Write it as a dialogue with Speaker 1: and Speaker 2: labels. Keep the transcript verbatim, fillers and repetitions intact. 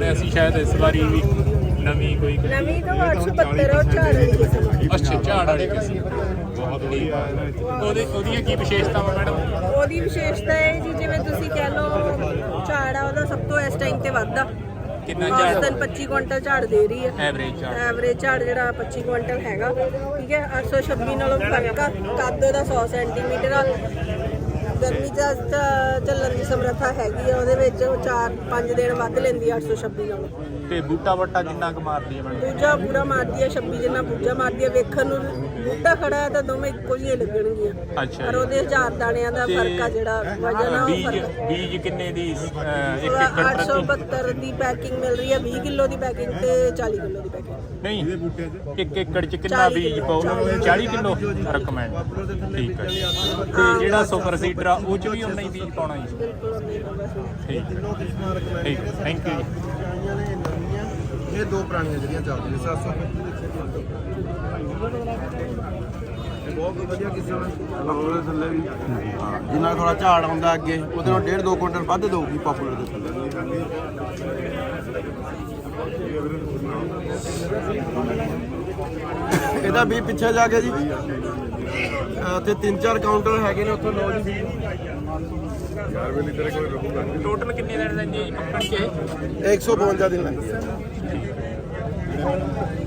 Speaker 1: ਸੁਣਿਆ ਸੀ ਸ਼ਾਇਦ ਇਸ ਵਾਰੀ ਵੀ ਨਵੀਂ ਕੋਈ
Speaker 2: ਨਵੀਂ ਤਾਂ ਅੱਠ ਸੌ ਬਹੱਤਰ ਉਹ ਝਾੜ ਵਾਲੀ ਕਿਸਮ।
Speaker 1: ਅੱਛਾ ਝਾੜ ਵਾਲੀ ਕਿਸਮ ਬਹੁਤ ਵਧੀਆ। ਉਹਦੇ ਉਹਦੀਆਂ ਕੀ ਵਿਸ਼ੇਸ਼ਤਾਵਾਂ ਮੈਡਮ?
Speaker 2: ਉਹਦੀ ਵਿਸ਼ੇਸ਼ਤਾ ਹੈ ਜੀ ਜਿਵੇਂ ਤੁਸੀਂ ਕਹਿ ਲਓ ਝਾੜ ਆ ਉਹਦਾ ਸਭ ਤੋਂ ਇਸ ਟਾਈਮ ਤੇ ਵੱਧਦਾ
Speaker 1: ਕਿੰਨਾ
Speaker 2: ਝਾੜ
Speaker 1: ਝਾੜ?
Speaker 2: ਪੱਚੀ ਕੁਇੰਟਲ ਝਾੜ ਦੇ ਰਹੀ ਹੈ
Speaker 1: ਐਵਰੇਜ ਝਾੜ?
Speaker 2: ਐਵਰੇਜ ਝਾੜ ਜਿਹੜਾ ਪੱਚੀ ਕੁਇੰਟਲ ਹੈਗਾ, ਠੀਕ ਹੈ। ਅੱਠ ਸੌ ਛੱਬੀ ਨਾਲੋਂ ਫਰਕ ਆ, ਕੱਦ ਉਹਦਾ ਸੌ ਸੈਂਟੀਮੀਟਰ ਆ। ਗਰਮੀ ਦਾ ਚੱਲਣ ਦੀ ਸਮਰੱਥਾ ਹੈਗੀ ਆ ਉਹਦੇ ਵਿੱਚ, ਉਹ ਚਾਰ ਪੰਜ ਦਿਨ ਵੱਧ ਲੈਂਦੀ ਆ ਅੱਠ ਸੌ ਛੱਬੀ ਨਾਲੋਂ।
Speaker 1: ਤੇ ਬੂਟਾ ਬੱਟਾ ਕਿੰਨਾ ਕੁ ਮਾਰਦੀ ਹੈ ਮੈਡਮ?
Speaker 2: ਬੂਝਾ ਪੂਰਾ ਮਾਰਦੀ ਹੈ, ਛੱਬੀ ਜਿੰਨਾ ਬੂਝਾ ਮਾਰਦੀ ਹੈ। ਵੇਖਣ ਨੂੰ ਬੂਟਾ ਖੜਾ ਹੈ ਤਾਂ ਦੋਵੇਂ ਇੱਕੋ ਹੀ ਲੱਗਣਗੀਆਂ,
Speaker 1: ਅੱਛਾ
Speaker 2: ਪਰ ਉਹਦੇ ਹਜ਼ਾਰ ਦਾਣਿਆਂ ਦਾ ਫਰਕ ਆ, ਜਿਹੜਾ ਵਜਨ ਆ ਉਹ
Speaker 1: ਬੀਜ
Speaker 2: ਫਰਕ।
Speaker 1: ਬੀਜ ਕਿੰਨੇ ਦੀ ਅਹ, ਇੱਕ ਏਕੜ
Speaker 2: ਅੱਠ ਸੌ
Speaker 1: ਪ੍ਰਤੀ?
Speaker 2: ਬਹੱਤਰ ਦੀ ਪੈਕਿੰਗ ਮਿਲ ਰਹੀ ਹੈ, ਵੀਹ ਕਿਲੋ ਦੀ ਪੈਕਿੰਗ ਤੇ ਚਾਲੀ ਕਿਲੋ ਦੀ ਪੈਕਿੰਗ।
Speaker 1: ਨਹੀਂ ਇੱਕ ਏਕੜ ਚ ਕਿੰਨਾ
Speaker 2: ਚਾਲੀ
Speaker 1: ਬੀਜ
Speaker 2: ਕਿੱਲੋ,
Speaker 1: ਪਾਓ? ਚਾਲੀ ਕਿਲੋ ਰეკਮੈਂਡ। ਠੀਕ ਹੈ ਜੀ। ਤੇ ਜਿਹੜਾ ਸੁਪਰ ਸੀਡਰ ਆ ਉਹ ਚ ਵੀ ਉਨਾ ਹੀ ਬੀਜ ਪਾਉਣਾ ਜੀ?
Speaker 2: ਬਿਲਕੁਲ ਨਹੀਂ ਹੋਗਾ।
Speaker 1: ਠੀਕ ਹੈ ਠੀਕ ਹੈ, ਥੈਂਕ ਯੂ ਜੀ।
Speaker 3: ਇਹ ਦੋ ਪੁਰਾਣੀਆਂ ਜਿਹੜੀਆਂ ਚੱਲਦੀਆਂ ਸੱਤ ਸੌ ਬਹੁਤ ਵਧੀਆ ਕਿਸਮ ਹੈ ਪਾਪੂਲਰ ਥੱਲੇ ਵੀ। ਹਾਂ ਜਿੰਨਾ ਥੋੜਾ ਝਾੜ ਆਉਂਦਾ ਅੱਗੇ ਉਹਦੇ ਨਾਲ ਡੇਢ ਦੋ ਕੁਇੰਟਲ ਵੱਧ ਦੇਊਗੀ ਪਾਪੂਲਰ ਦੇ ਥੱਲੇ। ਇਹਦਾ ਵੀ ਪਿੱਛੇ ਜਾ ਕੇ ਜੀ ਤੇ ਤਿੰਨ ਚਾਰ ਕਾਊਂਟਰ ਹੈਗੇ ਨੇ ਉੱਥੋਂ ਲਓ ਜੀ।
Speaker 1: ਟੋਟਲ ਕਿੰਨੇ ਦਿਨ ਲੈਂਦੀ ਹੈ ਜੀ ਪੱਕਣ ਚ?
Speaker 3: ਇੱਕ ਸੌ ਬਵੰਜਾ ਦਿਨ ਲੱਗਦੇ ਆ।